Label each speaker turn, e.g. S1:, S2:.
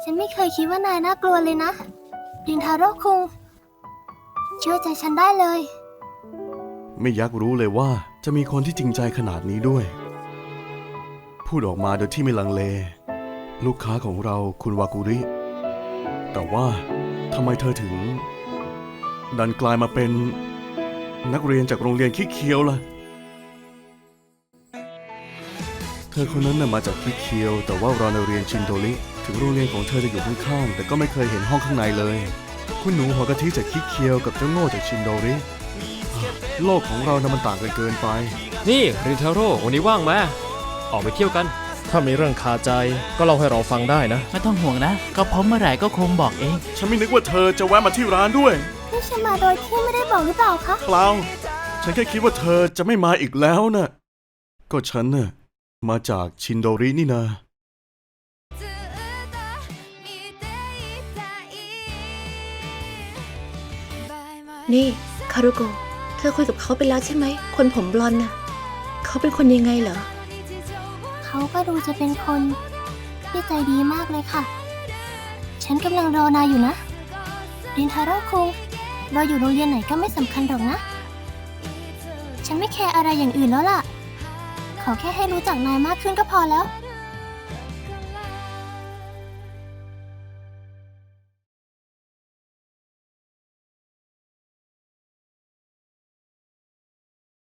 S1: ฉันไม่เคยคิดว่านายน่ากลัวเลยนะรินทาโร่คุงเชื่อใจฉันได้เลย
S2: ไม่อยากรู้เลยว่าจะมีคนที่จริงใจขนาดนี้ด้วยพูดออกมาโดยที่ไม่ลังเลลูกค้าของเราคุณวากุริแต่ว่าทำไมเธอถึงดันกลายมาเป็นนักเรียนจากโรงเรียนคิเคียวล่ะเธอคนนั้นน่ะมาจากคิเคียวแต่ว่าเราในเรียนชินโดริถึงโรงเรียนของเธอจะอยู่ข้างๆแต่ก็ไม่เคยเห็นห้องข้างในเลยคุณหนูหัวกะทิจากคิเคียวกับเจ้าโง่จากชินโดริโลกของเรานะมันต่างกันเกินไป
S3: นี่รินทาโร่วันนี้ว่างไหมออกไปเที่ยวกัน
S4: ถ้ามีเรื่องคาใจก็เล่าให้เราฟังได้นะ
S5: ไม่ต้องห่วงนะก็พร้อมเมื่อไหร่ก็คงบอกเอง
S2: ฉันไม่นึกว่าเธอจะแวะมาที่ร้านด้วย
S1: นี่ฉันมาโดยที่ไม่ได้บอกหรือเปล่าคะ
S2: เปล่าฉันแค่คิดว่าเธอจะไม่มาอีกแล้วน่ะก็ฉันน่ะมาจากชินโดรินี่นา
S6: นี่คารุโกะเธอคุยกับเขาไปแล้วใช่ไหมคนผมบลอนด์น่ะเขาเป็นคนยังไงเหรอ
S1: เขาก็ดูจะเป็นคนที่ใจดีมากเลยค่ะฉันกำลังรอนายอยู่นะรินทาโร่คุงเราอยู่โรงเรียนไหนก็ไม่สำคัญหรอกนะฉันไม่แคร์อะไรอย่างอื่นแล้วล่ะขอแค่ให้รู้จักนายมากขึ้นก็พอแล้ว